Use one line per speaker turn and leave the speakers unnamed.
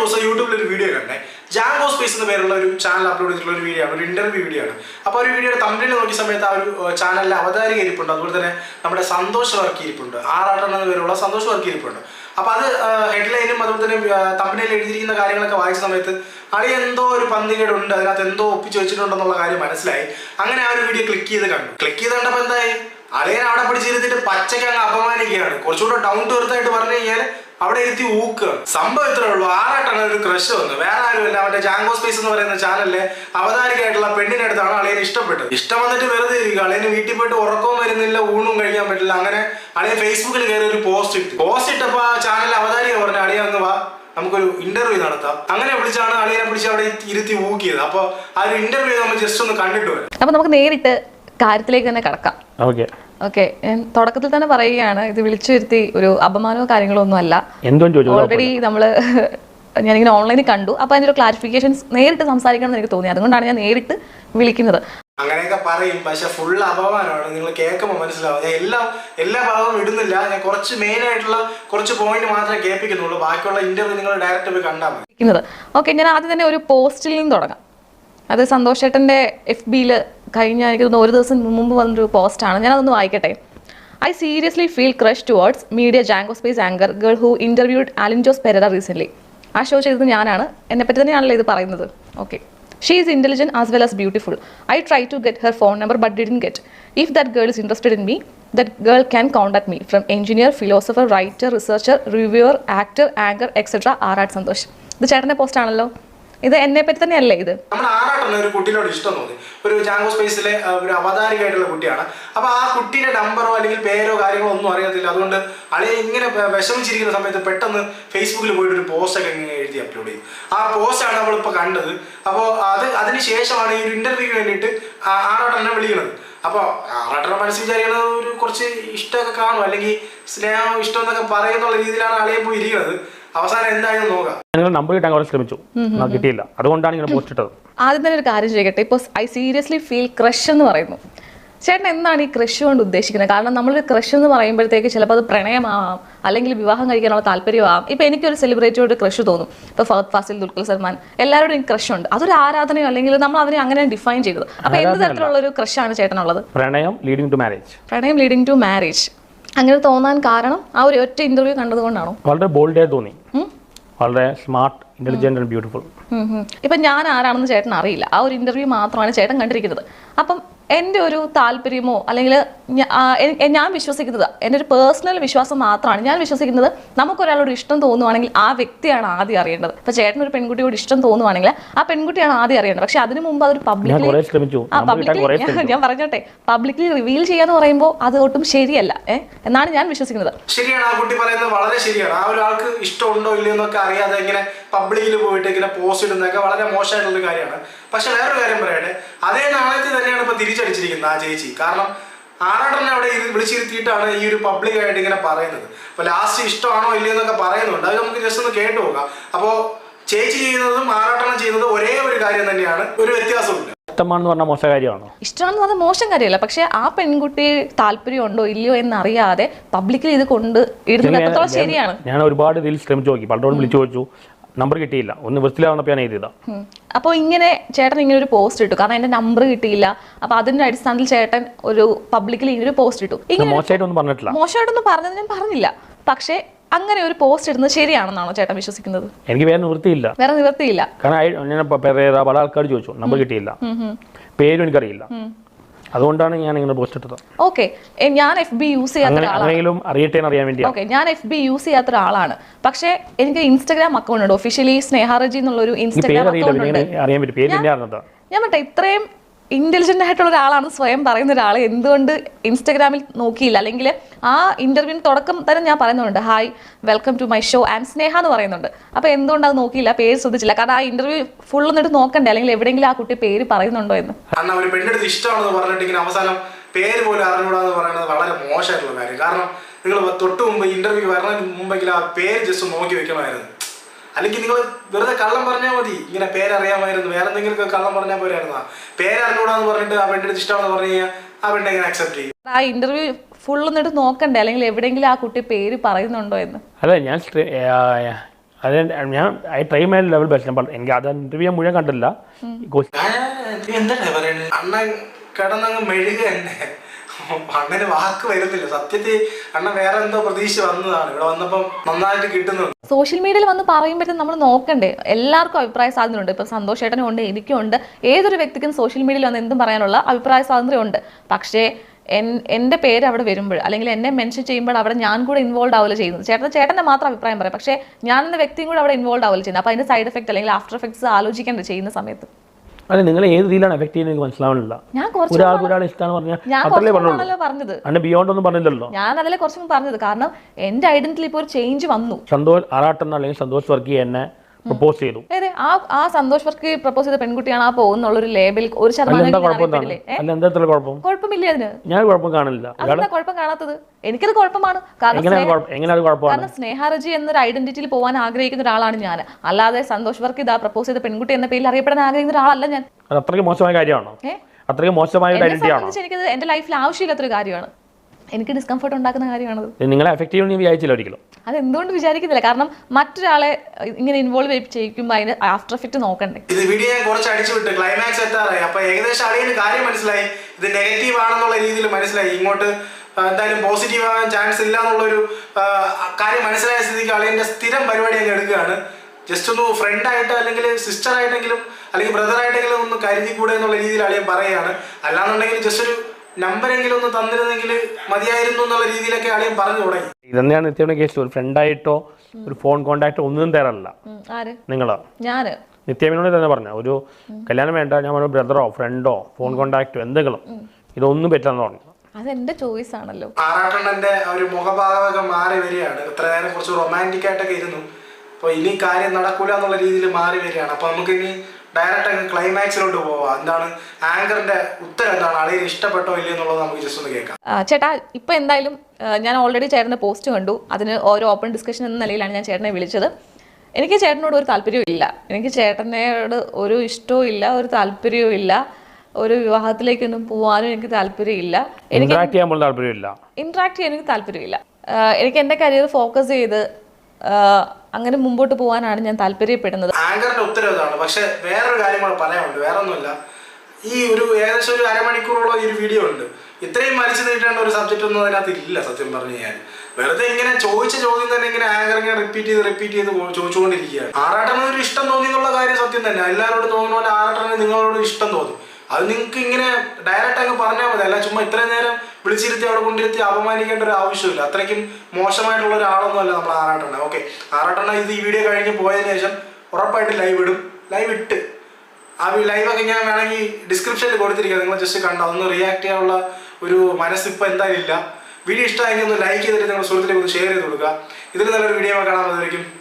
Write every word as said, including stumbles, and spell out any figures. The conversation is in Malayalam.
ദിവസം യൂട്യൂബിൽ ഒരു വീഡിയോ കണ്ടേ. ജാങ്കോ സ്പേസ് എന്ന പേരുള്ള ഒരു ചാനൽ അപ്ലോഡ് ചെയ്തിട്ടുള്ള ഒരു വീഡിയോ ആണ്, ഒരു ഇന്റർവ്യൂ വീഡിയോ ആണ്. അപ്പോൾ ഒരു വീഡിയോയുടെ തമ്മിൽ നോക്കിയ സമയത്ത് ആ ഒരു ചാനലിലെ അവതാരിക ഇരിപ്പുണ്ട്, അതുപോലെ തന്നെ നമ്മുടെ സന്തോഷ് വർക്ക് ഇരിപ്പുണ്ട്, ആറാട്ടൻ എന്ന പേരുള്ള സന്തോഷ് വർക്ക് ഇരിപ്പുണ്ട്. അപ്പോൾ അത് ഹെഡ്ലൈനും അതുപോലെ തന്നെ തമ്മിൽ എഴുതിയിരിക്കുന്ന കാര്യങ്ങളൊക്കെ വായിച്ച സമയത്ത് അളി എന്തോ ഒരു പന്തികേടുണ്ട്, അതിനകത്ത് എന്തോ ഒപ്പിച്ച് വെച്ചിട്ടുണ്ടെന്നുള്ള കാര്യം മനസ്സിലായി. അങ്ങനെ ആ ഒരു വീഡിയോ ക്ലിക്ക് ചെയ്ത് കണ്ടു. ക്ലിക്ക് ചെയ്ത് കണ്ടപ്പോൾ എന്തായി, അളിയൻ അവിടെ പിടിച്ചിരുത്തിട്ട് പച്ചയ്ക്ക് അങ്ങ് അപമാനിക്കുകയാണ്. കുറച്ചുകൂടെ ഡൗൺ ടു എർത്ത് ആയിട്ട് പറഞ്ഞു കഴിഞ്ഞാൽ അവിടെ എത്തി ഊക്കുക. സംഭവം ഇത്രേ ഉള്ളൂ. ആറാട്ടാണ് ഒരു ക്രഷ് വന്നു, വേറെ ആരുമല്ല, അവന്റെ ജാങ്കോ സ്പേസ് എന്ന് പറയുന്ന ചാനലിലെ അവതാരികയായിട്ടുള്ള പെണ്ണിന്റെ അടുത്താണ് അളിയന് ഇഷ്ടപ്പെട്ടത്. ഇഷ്ടം വന്നിട്ട് വെറുതെ ഇരിക്കുക. അളിയന് വീട്ടിൽ പോയിട്ട് ഉറക്കവും വരുന്നില്ല, ഊണും കഴിക്കാൻ പറ്റില്ല. അങ്ങനെ അളിയൻ ഫേസ്ബുക്കിൽ കയറി ഒരു പോസ്റ്റ് ഇട്ടു. പോസ്റ്റ് ഇട്ടപ്പോൾ ആ ചാനൽ അവതാരിക പറഞ്ഞു, അളിയ അങ്ങ് വാ, നമുക്കൊരു ഇന്റർവ്യൂ നടത്താം. അങ്ങനെ വിളിച്ചാണ് അളിയനെ പിടിച്ച് അവിടെ ഇരുത്തി ഊക്കിയത്. അപ്പോൾ ആ ഒരു ഇന്റർവ്യൂ നമ്മൾ ജസ്റ്റ് ഒന്ന് കണ്ടിട്ട് വരാം.
അപ്പൊ നമുക്ക് നേരിട്ട് കാര്യത്തിലേക്ക് തന്നെ കടക്കാം.
ഓക്കെ
ഓക്കെ, തുടക്കത്തിൽ തന്നെ പറയുകയാണ്, ഇത് വിളിച്ചു വരുത്തി ഒരു അപമാനമോ കാര്യങ്ങളോ ഒന്നും അല്ല. ഓൾറെഡി നമ്മള് ഞാനിങ്ങനെ ഓൺലൈനിൽ കണ്ടു. അപ്പൊ അതിന്റെ ഒരു ക്ലാരിഫിക്കേഷൻസ് നേരിട്ട് സംസാരിക്കണം എന്ന് എനിക്ക് തോന്നി. അതുകൊണ്ടാണ് ഞാൻ നേരിട്ട് വിളിക്കുന്നത്.
അങ്ങനെയൊക്കെ പറയും, പക്ഷെ ഫുൾ അപമാനമാണ്. നിങ്ങൾ കേൾക്കുമ്പോൾ മനസ്സിലാവും. ഞാൻ എല്ലാ എല്ലാ ഭാഗവും ഇടുന്നില്ല. ഞാൻ കുറച്ച് മെയിൻ ആയിട്ടുള്ള കുറച്ച് പോയിന്റ് മാത്രമേ കേൾപ്പിക്കുന്നുള്ളൂ. ബാക്കിയുള്ള ഇന്റർവ്യൂ നിങ്ങൾ ഡയറക്റ്റ് പോയി കണ്ടാൽ മതി.
ഓക്കെ, ഞാൻ ആദ്യം തന്നെ ഒരു പോസ്റ്റിൽ നിന്ന് തുടങ്ങാം. അത് സന്തോഷ് ചേട്ടൻ്റെ എഫ് ബിയിൽ കഴിഞ്ഞ എനിക്ക് തോന്നുന്നു ഒരു ദിവസം മുമ്പ് വന്നൊരു പോസ്റ്റാണ്. ഞാനതൊന്ന് വായിക്കട്ടെ. I seriously feel crush towards media Jango space anchor girl who interviewed Alin Jose Perera recently. ആ ഷോ ചെയ്തത് ഞാനാണ്, എന്നെപ്പറ്റി തന്നെയാണല്ലോ ഇത് പറയുന്നത്. Okay, she is intelligent as well as beautiful. I try to get her phone number but didn't get. If that girl is interested in me, that girl can contact me from engineer, philosopher, writer, researcher, reviewer, actor, anchor etcetera. R R Santhosh. ഇത് ചേട്ടൻ്റെ പോസ്റ്റ് ആണല്ലോ. ഇത് എന്നെ പറ്റി തന്നെയല്ലേ? ഇത്
നമ്മുടെ ആറാട്ടന് ഒരു കുട്ടീനോട് ഇഷ്ടം തോന്നി. ഒരു ജാങ്കോ സ്പേസിലെ ഒരു അവതാരികയായിട്ടുള്ള കുട്ടിയാണ്. അപ്പൊ ആ കുട്ടിയുടെ നമ്പറോ അല്ലെങ്കിൽ പേരോ കാര്യങ്ങളോ ഒന്നും അറിയത്തില്ല. അതുകൊണ്ട് അളിയെ ഇങ്ങനെ വിഷമിച്ചിരിക്കുന്ന സമയത്ത് പെട്ടെന്ന് ഫേസ്ബുക്കിൽ പോയിട്ട് ഒരു പോസ്റ്റ് ഒക്കെ ഇങ്ങനെ എഴുതി അപ്ലോഡ് ചെയ്തു. ആ പോസ്റ്റാണ് നമ്മളിപ്പോൾ കണ്ടത്. അപ്പോൾ അത് അതിന് ശേഷമാണ് ഈ ഒരു ഇന്റർവ്യൂവിന് വേണ്ടിയിട്ട് ആറാട്ടനെ വിളിക്കുന്നത്. അപ്പോൾ ആറാട്ടനെ മനസ്സിൽ വിചാരിക്കുന്നത് ഒരു കുറച്ച് ഇഷ്ടമൊക്കെ കാണും, അല്ലെങ്കിൽ സ്നേഹം ഇഷ്ടം എന്നൊക്കെ പറയുന്നുള്ള രീതിയിലാണ് അളിയെ പോയി ഇരിക്കുന്നത്. അവസാനം എന്തായാലും നോക്കാം.
നമ്പർ കിട്ടാൻ കുറച്ച് ശ്രമിച്ചു, കിട്ടിയില്ല. അതുകൊണ്ടാണ് ഇങ്ങനെ പോസ്റ്റ് ഇട്ടത്.
ആദ്യം തന്നെ ഒരു കാര്യം ചെയ്യട്ടെ. ഇപ്പോൾ ഐ സീരിയസ്ലി ഫീൽ ക്രഷ് എന്ന് പറയുന്നു. ചേട്ടൻ എന്താണ് ഈ ക്രഷ് കൊണ്ട് ഉദ്ദേശിക്കുന്നത്? കാരണം നമ്മളൊരു ക്രഷ് എന്ന് പറയുമ്പോഴത്തേക്ക് ചിലപ്പോൾ അത് പ്രണയമാവാം, അല്ലെങ്കിൽ വിവാഹം കഴിക്കാനുള്ള താല്പര്യമാവാം. ഇപ്പം എനിക്കൊരു സെലിബ്രിറ്റിയോട് ക്രഷ് തോന്നും. ഇപ്പോൾ ഫഹദ് ഫാസിൽ, ദുൽഖർ സൽമാൻ, എല്ലാവരോടും എനിക്ക് ക്രഷ് ഉണ്ട്. അതൊരു ആരാധനയോ അല്ലെങ്കിൽ നമ്മൾ അതിനെ അങ്ങനെ ഡിഫൈൻ ചെയ്തത്. അപ്പോൾ എന്ത് തരത്തിലുള്ള ഒരു ക്രഷാണ് ചേട്ടനുള്ളത്?
പ്രണയം ലീഡിംഗ് ടു മാരേജ്.
പ്രണയം ലീഡിംഗ് ടു മാരേജ് അങ്ങനെ തോന്നാൻ കാരണം ആ ഒരു ഒറ്റ ഇന്റർവ്യൂ കണ്ടതുകൊണ്ടാണോ?
വളരെ ബോൾഡായി തോന്നി, വളരെ സ്മാർട്ട്, ഇന്റലിജന്റ് ആൻഡ് ബ്യൂട്ടിഫുൾ.
ഇപ്പം ഞാൻ ആരാണെന്ന് ചേട്ടൻ അറിയില്ല. ആ ഒരു ഇന്റർവ്യൂ മാത്രമാണ് ചേട്ടൻ കണ്ടിരിക്കുന്നത്. അപ്പം എൻ്റെ ഒരു താല്പര്യമോ അല്ലെങ്കിൽ ഞാൻ വിശ്വസിക്കുന്നത്, എൻ്റെ ഒരു പേഴ്സണൽ വിശ്വാസം മാത്രമാണ്. ഞാൻ വിശ്വസിക്കുന്നത് നമുക്കൊരാളോട് ഇഷ്ടം തോന്നുവാണെങ്കിൽ ആ വ്യക്തിയാണ് ആദ്യം അറിയേണ്ടത്. ഇപ്പം ചേട്ടൻ ഒരു പെൺകുട്ടിയോട് ഇഷ്ടം തോന്നുവാണെങ്കിൽ ആ പെൺകുട്ടിയാണ് ആദ്യം അറിയേണ്ടത്. പക്ഷെ അതിനു മുമ്പ് അതൊരു പബ്ലിക്കലി ഞാൻ പറഞ്ഞോട്ടെ പബ്ലിക്കലി റിവീൽ ചെയ്യാന്ന് പറയുമ്പോൾ അത് ഒട്ടും ശരിയല്ല ഏഹ് എന്നാണ് ഞാൻ വിശ്വസിക്കുന്നത്.
ശരിയാണ്, ആ കുട്ടി പറയുന്നത് വളരെ ശരിയാണ്. ആ ഒരാൾക്ക് ഇഷ്ടമുണ്ടോ ഇല്ലയോ എന്നൊക്കെ അറിയാതെ ഇങ്ങനെ പബ്ലിക്കിൽ പോയിട്ട് ഇങ്ങനെ പോസ്റ്റ് ഇടുന്നതൊക്കെ വളരെ മോശമായിട്ടുള്ള കാര്യമാണ്. പക്ഷെ വേറൊരു കാര്യം പറയട്ടെ, അതേ നാണയത്തിൽ തന്നെയാണ് ഇപ്പൊ തിരിച്ചടിച്ചിരിക്കുന്നത് ആ ചേച്ചി. കാരണം ആറാട്ടനെ അവിടെ വിളിച്ചിരുത്തിയിട്ടാണ് ഈ ഒരു പബ്ലിക്കായിട്ട് ഇങ്ങനെ പറയുന്നത്. അപ്പൊ ലാസ്റ്റ് ഇഷ്ടമാണോ ഇല്ലയോ എന്നൊക്കെ പറയുന്നുണ്ട്. അത് നമുക്ക് ജസ്റ്റ് ഒന്ന് കേട്ടു നോക്കാം. അപ്പോ ചേച്ചി ചെയ്യുന്നതും ആറാട്ടണം ചെയ്യുന്നതും ഒരേ ഒരു കാര്യം തന്നെയാണ്, ഒരു വ്യത്യാസമില്ല.
ഇഷ്ടമാണെന്ന് പറഞ്ഞാൽ മോശം കാര്യമാണോ?
ഇഷ്ടമാണെന്ന് പറഞ്ഞാൽ മോശം കാര്യമല്ല. പക്ഷെ ആ പെൺകുട്ടി താല്പര്യം ഉണ്ടോ ഇല്ലയോ എന്നറിയാതെ പബ്ലിക്കലി ഇത് കൊണ്ട് ഇടുന്നത് എത്രത്തോളം ശരിയാണ്?
ഞാൻ ഒരുപാട് ഇതിൽ ശ്രമിച്ചു നോക്കി, പലരോടും വിളിച്ചു ചോദിച്ചു, നമ്പർ കിട്ടിയില്ല. ഒന്ന് വൃത്തിയിലാവുന്നപ്പോൾ ഞാൻ എഴുതിയതാ.
അപ്പോൾ ഇങ്ങനെ ചേട്ടൻ ഇങ്ങനെ ഒരു പോസ്റ്റ് ഇട്ടു, കാരണം എന്റെ നമ്പർ കിട്ടിയില്ല. അപ്പൊ അതിന്റെ അടിസ്ഥാനത്തിൽ ചേട്ടൻ ഒരു പബ്ലിക്കലി ഇങ്ങനെ ഒരു പോസ്റ്റ് ഇട്ടു.
മോശമായിട്ടൊന്നും പറഞ്ഞിട്ടില്ല,
മോശമായിട്ടൊന്നും പറഞ്ഞത് ഞാൻ പറഞ്ഞില്ല. പക്ഷെ അങ്ങനെ ഒരു പോസ്റ്റ് ഇടുന്നത് ശരിയാണെന്നാണോ ചേട്ടൻ വിശ്വസിക്കുന്നത്?
എനിക്ക് വേറെ നിവൃത്തിയില്ല,
വേറെ നിവൃത്തിയില്ല.
കാരണം ഞാൻ പല ആൾക്കാർ ചോദിച്ചു, നമ്പർ കിട്ടിയില്ല, പേരും എനിക്കറിയില്ല. അതുകൊണ്ടാണ് ഞാൻ ഇങ്ങനെ പോസ്റ്റ് ഇട്ടത്.
ഓക്കെ, ഞാൻ എഫ് ബി യൂസ് ചെയ്യാത്ത
ഒരാളാണ്. അറിയട്ടെ അറിയാൻ വേണ്ടി.
ഓക്കെ, ഞാൻ എഫ് ബി യൂസ് ചെയ്യാത്ത ഒരാളാണ്. പക്ഷെ എനിക്ക് ഇൻസ്റ്റാഗ്രാം അക്കൗണ്ട് ഉണ്ട്, ഒഫീഷ്യലി സ്നേഹാറജി എന്നുള്ള ഒരു ഇൻസ്റ്റാഗ്രാം അക്കൗണ്ട് ഉണ്ട്. ഞാൻ മറ്റേ ഇത്രയും ഇന്റലിജന്റ് ആയിട്ടുള്ള ഒരാളാണ് സ്വയം പറയുന്ന ഒരാൾ എന്തുകൊണ്ട് ഇൻസ്റ്റാഗ്രാമിൽ നോക്കിയില്ല? അല്ലെങ്കിൽ ആ ഇന്റർവ്യൂവിന് തുടക്കം തന്നെ ഞാൻ പറയുന്നുണ്ട്, hi welcome to my show and Sneha എന്ന് പറയുന്നുണ്ട്. അപ്പോൾ എന്തുകൊണ്ട് അത് നോക്കിയില്ല, പേര് ശ്രദ്ധിച്ചില്ല? കാരണം ആ ഇന്റർവ്യൂ ഫുൾ എന്നിട്ട് നോക്കണ്ടേ, അല്ലെങ്കിൽ എവിടെയെങ്കിലും ആ കുട്ടി പേര് പറയുന്നുണ്ടോ എന്ന്.
കാരണം ഒരു പെണ്ണെടുത്ത് ഇഷ്ടമാണെന്ന് പറഞ്ഞിട്ട് അവസാനം പേര് പോലും അറിഞ്ഞൂടാന്ന് പറയുന്നത് വളരെ മോശമായിട്ടുള്ള കാര്യം. കാരണം നിങ്ങൾ തൊട്ട് മുമ്പ് ഇന്റർവ്യൂ വരണതിന് മുമ്പെങ്കിലും ആ പേര് ജസ്റ്റ് നോക്കി വെക്കണമായിരുന്നു. അല്ലെങ്കിൽ നിങ്ങൾ വെറുതെ കള്ളം പറഞ്ഞാൽ മതി, ഇങ്ങനെ പേരറിയാമായിരുന്നു, വേറെ എന്തെങ്കിലും കള്ളം പറഞ്ഞാൽ പോരായിരുന്നു. പേരറിഞ്ഞൂടാന്ന് പറഞ്ഞിട്ട് ആ പെണ്ണെടുത്ത് ഇഷ്ടമാണെന്ന് പറഞ്ഞു കഴിഞ്ഞാൽ ആ പെണ്ണ് എങ്ങനെ അക്സെപ്റ്റ് ചെയ്യും?
ആ ഇന്റർവ്യൂ ഫുൾ എന്നിട്ട് നോക്കണ്ടേ, അല്ലെങ്കിൽ എവിടെയെങ്കിലും ആ കുട്ടി പേര് പറയുന്നുണ്ടോ എന്ന്.
അല്ല, ഞാൻ അത് ഞാൻ I try my level best. എനിക്ക് അത് ഇന്റർവ്യൂ മുഴുവൻ കണ്ടില്ല.
എന്താ പറയുന്നത്, അണ്ണൻ കിടന്നങ്ങ് മെഴുക തന്നെ. അണ്ണന് വാക്ക് വരുന്നില്ല. സത്യത്തിൽ അണ്ണൻ വേറെ എന്തോ പ്രതീക്ഷ വന്നതാണ്, ഇവിടെ വന്നപ്പം നന്നായിട്ട് കിട്ടുന്നുണ്ട്.
സോഷ്യൽ മീഡിയയിൽ വന്ന് പറയുമ്പോഴത്തേക്കും നമ്മൾ നോക്കണ്ടേ, എല്ലാവർക്കും അഭിപ്രായ സ്വാതന്ത്ര്യം ഉണ്ട്. ഇപ്പം സന്തോഷ് ചേട്ടനും ഉണ്ട്, എനിക്കും ഉണ്ട്. ഏതൊരു വ്യക്തിക്കും സോഷ്യൽ മീഡിയയിൽ വന്ന് എന്തും പറയാനുള്ള അഭിപ്രായ സ്വാതന്ത്ര്യം ഉണ്ട്. പക്ഷേ എൻ എൻ്റെ പേര് അവിടെ വരുമ്പോൾ അല്ലെങ്കിൽ എന്നെ മെൻഷൻ ചെയ്യുമ്പോൾ അവിടെ ഞാൻ കൂടെ ഇൻവോൾവ് ആവുക ചെയ്യുന്നത്. ചേട്ടൻ ചേട്ടൻ്റെ മാത്രം അഭിപ്രായം പറയാം, പക്ഷേ ഞാൻ എന്ന വ്യക്തിയും കൂടെ അവിടെ ഇൻവോൾവ് ആവുക ചെയ്യുന്നത്. അപ്പോൾ അതിൻ്റെ സൈഡ് എഫക്റ്റ് അല്ലെങ്കിൽ ആഫ്റ്റർ എഫക്ട്സ് ആലോചിക്കേണ്ട ചെയ്യുന്ന സമയത്ത്.
അല്ല, നിങ്ങൾ ഏത് രീതിയിലാണ് എഫക്ട് ചെയ്യുന്നത് എനിക്ക് മനസ്സിലാവുന്നില്ല.
ഞാൻ
ഒരാൾക്ക് ഒരാൾ ഇഷ്ടമാണ് പറഞ്ഞാൽ അത്രേ പറഞ്ഞുള്ളൂ,
പറഞ്ഞത്
അതിന്റെ ബിയോണ്ട് ഒന്നും പറഞ്ഞില്ലല്ലോ.
ഞാൻ അതിലെ കുറച്ചും പറഞ്ഞത് കാരണം എന്റെ ഐഡന്റിറ്റിയിൽ ഇപ്പോൾ ഒരു ചേഞ്ച് വന്നു.
സന്തോഷ് ആറാട്ടൻ അല്ലെങ്കിൽ സന്തോഷ് വർക്കി എന്നെ പ്രപ്പോസ് ചെയ്തു.
അതെ, ആ ആ സന്തോഷ് വർക്കി പ്രപ്പോസ് ചെയ്ത പെൺകുട്ടിയാണ് ആ പോകുന്നുള്ളൊരു ലേബിൾ ഒരു ശതമാനം കുഴപ്പമില്ല. അതിന്
ഞാൻ കുഴപ്പം കാണില്ല.
അതെന്താ കുഴപ്പം കാണാത്തത്? എനിക്കത് കുഴപ്പമാണ്. കാരണം സ്നേഹാരജി എന്നൊരു ഐഡന്റിറ്റിയിൽ പോകാൻ ആഗ്രഹിക്കുന്ന ഒരാളാണ് ഞാൻ. അല്ലാതെ സന്തോഷ് വർക്കി ഇതാ പ്രപ്പോസ് ചെയ്ത പെൺകുട്ടി എന്ന പേരിൽ അറിയപ്പെടാൻ ആഗ്രഹിക്കുന്ന ഒരാളല്ല ഞാൻ.
അത് അത്രയ്ക്ക് മോശമായ കാര്യമാണോ? അത്രയ്ക്ക് മോശമായ
എനിക്കത് എന്റെ ലൈഫിൽ ആവശ്യമില്ലാത്തൊരു കാര്യമാണ്. എനിക്ക് ഡിസ്കംഫർട്ട് ഉണ്ടാക്കുന്ന കാര്യമാണത്.
നിങ്ങളെ എഫക്ട് ചെയ്യുമെന്ന് വിചാരിച്ചില്ല ഒരിക്കലും.
അതെന്തുകൊണ്ട് വിചാരിക്കുന്നില്ല, കാരണം മറ്റൊരാളെ ഇങ്ങനെ ഇൻവോൾവ് ചെയ്യിക്കുമ്പോൾ അതിന് ആഫ്റ്റർ എഫക്ട് നോക്കണ്ടേ.
ഇത് വീഡിയോ ഞാൻ കുറച്ച് അടിച്ചു വിട്ട് ക്ലൈമാക്സ് എത്താറായി. അപ്പൊ ഏകദേശം അളിയന് കാര്യം മനസ്സിലായി, ഇത് നെഗറ്റീവ് ആണെന്നുള്ള രീതിയിൽ മനസ്സിലായി. ഇങ്ങോട്ട് എന്തായാലും പോസിറ്റീവ് ആകാൻ ചാൻസ് ഇല്ല എന്നുള്ളൊരു കാര്യം മനസ്സിലായ സ്ഥിതിക്ക് അളിയന്റെ സ്ഥിരം പരിപാടി അങ്ങ് എടുക്കുകയാണ്. ജസ്റ്റ് ഒന്ന് ഫ്രണ്ട് ആയിട്ട് അല്ലെങ്കിൽ സിസ്റ്റർ ആയിട്ടെങ്കിലും അല്ലെങ്കിൽ ബ്രദർ ആയിട്ടെങ്കിലും ഒന്ന് കരുതി കൂടെ എന്നുള്ള രീതിയിൽ അളിയൻ പറയുകയാണ്. അല്ലാന്നുണ്ടെങ്കിൽ ജസ്റ്റ് ഒരു നമ്പരെങ്കിലും ഒന്ന് തന്നിരുന്നെങ്കിൽ മതിയായിരുന്നു എന്നുള്ള രീതിയിലൊക്കെ അളിയൻ പറഞ്ഞു തുടങ്ങി.
ഇതന്നെയാണ് നിത്യയുടെ കേസ്. ഒരു ഫ്രണ്ടായിട്ടോ ഒരു ഫോൺ കോണ്ടാക്ടോ ഒന്നും തരാറില്ല. നിങ്ങളോ?
ഞാന്
നിത്യമേനോട് തന്നെ പറഞ്ഞ ഒരു കല്യാണം വേണ്ട, ഞാൻ ഒരു ബ്രദറോ ഫ്രണ്ടോ ഫോൺ കോണ്ടാക്ടോ എന്തെങ്കിലും, ഇതൊന്നും പറ്റില്ലെന്ന് പറഞ്ഞു.
അതെന്റെ ചോയ്സ് ആണല്ലോ.
ആറാട്ടണ്ണന്റെ ഒരു മുഖഭാവമൊക്കെ മാറി വരികയാണ്. ഇത്ര നേരം കുറച്ച് റൊമാൻറ്റിക് ആയിട്ടൊക്കെ ഇരുന്നു, അപ്പോൾ ഇനി കാര്യം നടക്കൂല എന്നുള്ള രീതിയിൽ മാറി വരികയാണ്. അപ്പോൾ നമുക്ക് ഇനി ഡയറക്റ്റ് അങ്ങ് ക്ലൈമാക്സിലോട്ട് പോവാം. എന്താണ് ആങ്കറിന്റെ ഉത്തരം, എന്താണ് അളിയന് ഇഷ്ടപ്പെട്ടോ ഇല്ലയോ എന്നുള്ളത് നമുക്ക് ജസ്റ്റ് ഒന്ന് കേൾക്കാം.
ചേട്ടാ, ഇപ്പൊ എന്തായാലും ഞാൻ ഓൾറെഡി ചേട്ടന്റെ പോസ്റ്റ് കണ്ടു. അതിന് ഓരോ ഓപ്പൺ ഡിസ്കഷൻ എന്ന നിലയിലാണ് ഞാൻ ചേട്ടനെ വിളിച്ചത്. എനിക്ക് ചേട്ടനോട് ഒരു താല്പര്യവും ഇല്ല, എനിക്ക് ചേട്ടനോട് ഒരു ഇഷ്ടവും ഇല്ല, ഒരു താല്പര്യവും ഇല്ല, ഒരു വിവാഹത്തിലേക്കൊന്നും പോകാനും എനിക്ക് താല്പര്യമില്ല. എനിക്ക് ഇന്ററാക്ട് ചെയ്യാൻ എനിക്ക് താല്പര്യമില്ല. എനിക്ക് എൻ്റെ കരിയർ ഫോക്കസ് ചെയ്ത് അങ്ങനെ മുമ്പോട്ട് പോകാനാണ് ഞാൻ താല്പര്യപ്പെടുന്നത്.
ആങ്കറിന്റെ ഉത്തരവ് ഇതാണ്. പക്ഷെ വേറൊരു കാര്യം കൂടെ പറയാനുണ്ട്. വേറെ ഒന്നുമില്ല, ഈ ഒരു ഏകദേശം ഒരു അരമണിക്കൂറോളം ഈ ഒരു വീഡിയോ ഉണ്ട്. ഇത്രയും വലിച്ചു നീട്ടേണ്ട ഒരു സബ്ജക്റ്റ് ഒന്നും അതിനകത്ത് ഇല്ല സത്യം പറഞ്ഞു കഴിഞ്ഞാൽ. വെറുതെ ഇങ്ങനെ ചോദിച്ച ചോദ്യം തന്നെ ഇങ്ങനെ ആങ്കർ ഇങ്ങനെ റിപ്പീറ്റ് ചെയ്ത് റിപ്പീറ്റ് ചെയ്ത് ചോദിച്ചുകൊണ്ടിരിക്കുകയാണ്. ആറാട്ടന് ഒരു ഇഷ്ടം തോന്നി എന്നുള്ള കാര്യം സത്യം തന്നെ. എല്ലാവരോടും തോന്നുന്ന പോലെ ആറാട്ടന് നിങ്ങളോട് ഇഷ്ടം തോന്നി. അത് നിങ്ങൾക്ക് ഇങ്ങനെ ഡയറക്റ്റ് അങ്ങ് പറഞ്ഞാൽ മതി. അല്ല ചുമ്മാ ഇത്രയും നേരം വിളിച്ചിരുത്തി അവിടെ കൊണ്ടിരുത്തി അപമാനിക്കേണ്ട ഒരു ആവശ്യമില്ല. അത്രയ്ക്കും മോശമായിട്ടുള്ള ഒരാളൊന്നും അല്ല നമ്മൾ ആറാട്ടണ്ണ. ഓക്കെ, ആറാട്ടണ്ണ ഇത് ഈ വീഡിയോ കഴിഞ്ഞ് പോയതിനു ശേഷം ഉറപ്പായിട്ട് ലൈവ് ഇടും. ലൈവ് ഇട്ട് ആ ലൈവൊക്കെ ഞാൻ വേണമെങ്കിൽ ഡിസ്ക്രിപ്ഷനിൽ കൊടുത്തിരിക്കുക, നിങ്ങൾ ജസ്റ്റ് കണ്ടോ. അതൊന്ന് റിയാക്ട് ചെയ്യാനുള്ള ഒരു മനസ്സിപ്പോൾ എന്തായാലും ഇല്ല. വീഡിയോ ഇഷ്ടമായെങ്കിൽ ഒന്ന് ലൈക്ക് ചെയ്തിട്ട് നിങ്ങൾ സുഹൃത്തിലേക്ക് ഒന്ന് ഷെയർ ചെയ്ത് കൊടുക്കുക. ഇതിൽ നല്ലൊരു വീഡിയോ കാണാൻ പറ്റുമായിരിക്കും.